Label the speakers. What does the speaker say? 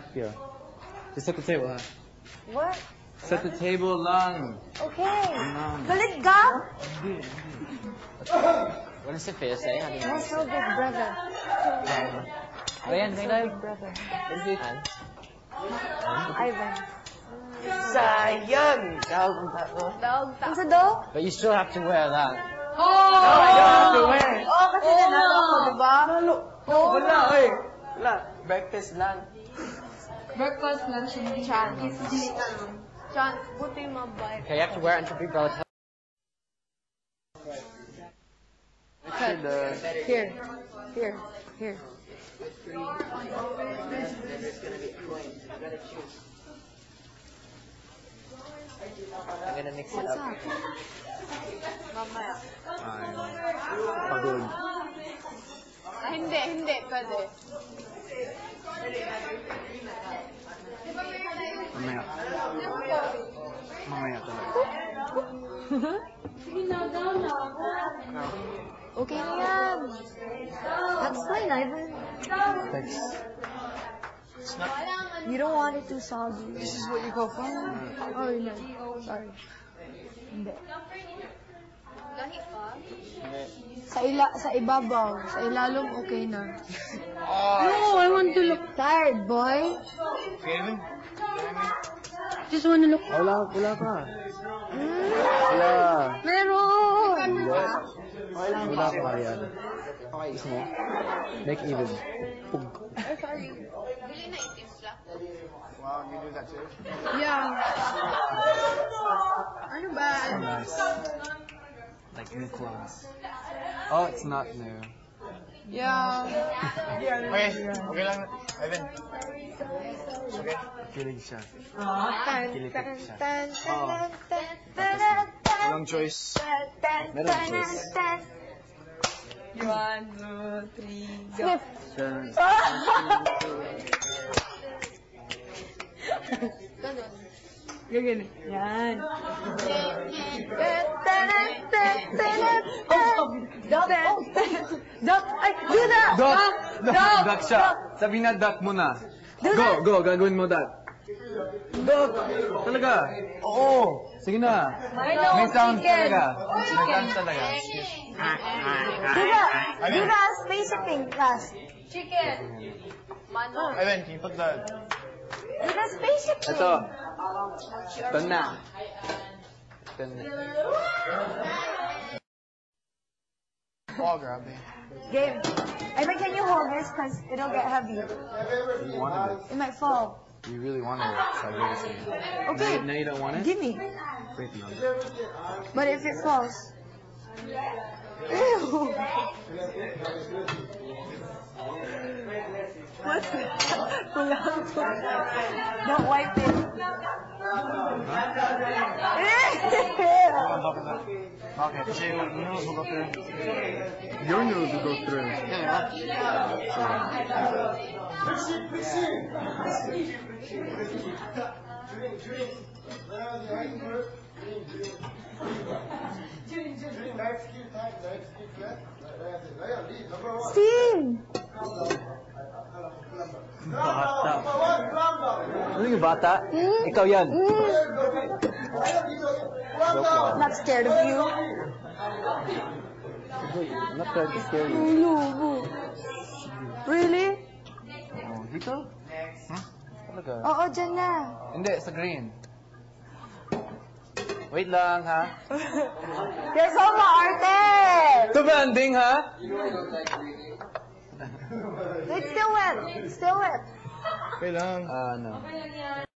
Speaker 1: Here. Just set the table, ha?
Speaker 2: What?
Speaker 1: Set the table lang.
Speaker 2: Okay.
Speaker 1: Lang.
Speaker 2: Galit ka?
Speaker 3: What does Sophia say? How do you
Speaker 2: My so big brother.
Speaker 3: Ayan,
Speaker 2: So
Speaker 3: tingnan.
Speaker 2: big brother.
Speaker 3: What is it?
Speaker 2: Ivan.
Speaker 4: Sayang! Dog ang tato.
Speaker 2: Ang sa do?
Speaker 3: But you still have to wear that.
Speaker 4: No, I don't have to wear.
Speaker 2: Oo, kasi nanalo ako, diba?
Speaker 4: Wala, oy. Wala. Breakfast lang.
Speaker 5: Breakfast, lunch, and dinner.
Speaker 2: John, buti yung mabay.
Speaker 3: Okay, you have to wear it until people tell
Speaker 2: Here. Here. Here.
Speaker 3: I'm gonna mix it
Speaker 2: What's
Speaker 3: up.
Speaker 2: up? Mamaya.
Speaker 1: Pagod.
Speaker 2: Hindi. Pwede.
Speaker 1: Mamaya. Mamaya talaga.
Speaker 2: Okay na yan. That's fine, Ivan.
Speaker 1: Thanks.
Speaker 2: You don't want it too soggy.
Speaker 4: This is what you call fun?
Speaker 2: Oh, no. Sorry. Hindi. Sa ibabaw. Sa ilalong okay na.
Speaker 5: No, I want to look
Speaker 2: Tired, boy.
Speaker 4: Kevin?
Speaker 5: Just want to look.
Speaker 1: Wala ka. Wala.
Speaker 2: Meron!
Speaker 1: Wala ka, Marian. Gusto mo? Make even. Pug.
Speaker 4: Wow, you do that too?
Speaker 5: Yeah. Ano ba?
Speaker 1: Nice. Like new clothes. Oh, it's not new.
Speaker 5: Yeah.
Speaker 4: Okay lang. Ivan. Okay.
Speaker 1: Kilig siya.
Speaker 2: Tan,
Speaker 1: Kilig
Speaker 2: tan,
Speaker 1: siya.
Speaker 2: tan,
Speaker 1: Oo.
Speaker 2: tan, tan, tan, tan,
Speaker 4: Walang choice.
Speaker 2: tan,
Speaker 1: Meron
Speaker 2: tan,
Speaker 1: choice.
Speaker 2: tan.
Speaker 5: 1, 2, 3, go.
Speaker 2: Skip.
Speaker 5: Ganun. Yan.
Speaker 2: Duck! Ay, do that!
Speaker 1: Duck siya. Sabi na duck mo na. Go, gagawin mo that. Duck! Talaga. Oo. Sige na.
Speaker 2: I know,
Speaker 1: May sound
Speaker 2: chicken.
Speaker 1: talaga. May sound talaga.
Speaker 2: Do the spaceship thing last.
Speaker 4: Ivan, can you put the...
Speaker 2: Do the spaceship thing.
Speaker 1: Ito. Ito na. Ito na.
Speaker 4: Oh, grab me.
Speaker 2: Game. Ivan, can you hold this? Because it'll get heavy.
Speaker 1: You wanted
Speaker 2: It might fall.
Speaker 1: it. You really wanted it. So I gave it to you.
Speaker 2: Okay.
Speaker 1: Now you don't want it?
Speaker 2: Give me.
Speaker 1: Wait, no.
Speaker 2: But if it falls. Ew. What's that? Don't wipe it.
Speaker 4: Okay, kasi yung noodles will go through.
Speaker 1: Your nose will go through.
Speaker 2: Steam!
Speaker 1: Bata. Ano yung bata? Ikaw yan.
Speaker 2: Not scared of you.
Speaker 1: I'm not trying to scare you.
Speaker 2: No. Really?
Speaker 1: Oh, dito? Huh? Talaga?
Speaker 2: Oo, dyan na.
Speaker 1: Hindi, sa green. Wait lang, ha?
Speaker 2: You're so maarte!
Speaker 1: Ito ba, anding, ha?
Speaker 2: It's still wet. Still wet.
Speaker 4: Okay lang.
Speaker 1: Ano?